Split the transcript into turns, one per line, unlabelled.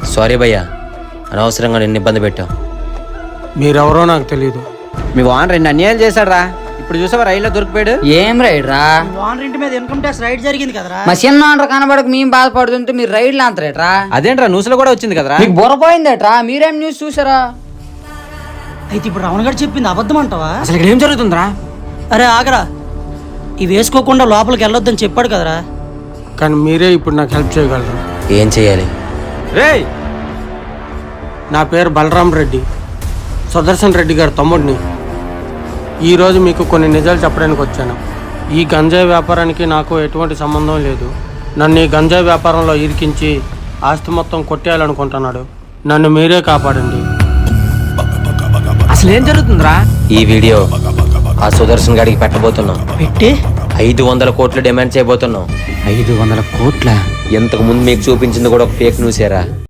Sorry భయ్యా, అనవసరంగా నిన్ను ఇబ్బంది పెట్టాం.
మీరెవరో నాకు తెలియదు.
మీ వాన్ 2 అన్యాయాలు చేశాడు రా. ఇప్పుడు చూసావా రైల్లో దొరికిపోయాడు.
ఏం రైడ్ రా?
ఓనర్ ఇంటి మీద ఇన్కమ్ ట్యాక్స్ రైడ్ జరిగింది కదరా.
మా చిన్న ఓనర్ కనబడక మేము బాధపడుతుంటే మీరు రైడ్లు అంతరేట్రా?
అదేంట్రా న్యూస్లో కూడా వచ్చింది కదరా.
మీకు బుర్రపోయిందేట్రా? మీరేం న్యూస్ చూసారా?
అయితే ఇప్పుడు రావణ్ గారు చెప్పింది అబద్ధం అంటావా?
అసలు ఇక్కడ ఏం జరుగుతుందిరా?
అరే ఆగరా, ఇవి వేసుకోకుండా లోపలికి వెళ్ళొద్దని చెప్పాడు కదరా.
కానీ మీరే ఇప్పుడు నాకు హెల్ప్ చేయగలరు.
ఏం చేయాలి?
రేయ్, నా పేరు బలరాం రెడ్డి, సుదర్శన్ రెడ్డి గారి తమ్ముడిని. ఈరోజు మీకు కొన్ని నిజాలు చెప్పడానికి వచ్చాను. ఈ గంజాయి వ్యాపారానికి నాకు ఎటువంటి సంబంధం లేదు. నన్ను ఈ గంజాయి వ్యాపారంలో ఇరికించి ఆస్తి మొత్తం కొట్టేయాలనుకుంటున్నాడు. నన్ను మీరే కాపాడండి.
అసలు ఏం జరుగుతుందిరా?
ఈ వీడియో ఆ సుదర్శన్ గాడికి పెట్టబోతున్నాం.
పెట్టి
500 కోట్లు డిమాండ్ చేయబోతున్నాం.
500 కోట్ల?
ఇంతకు ముందు మీకు చూపించింది కూడా ఒక ఫేక్ న్యూసేరా.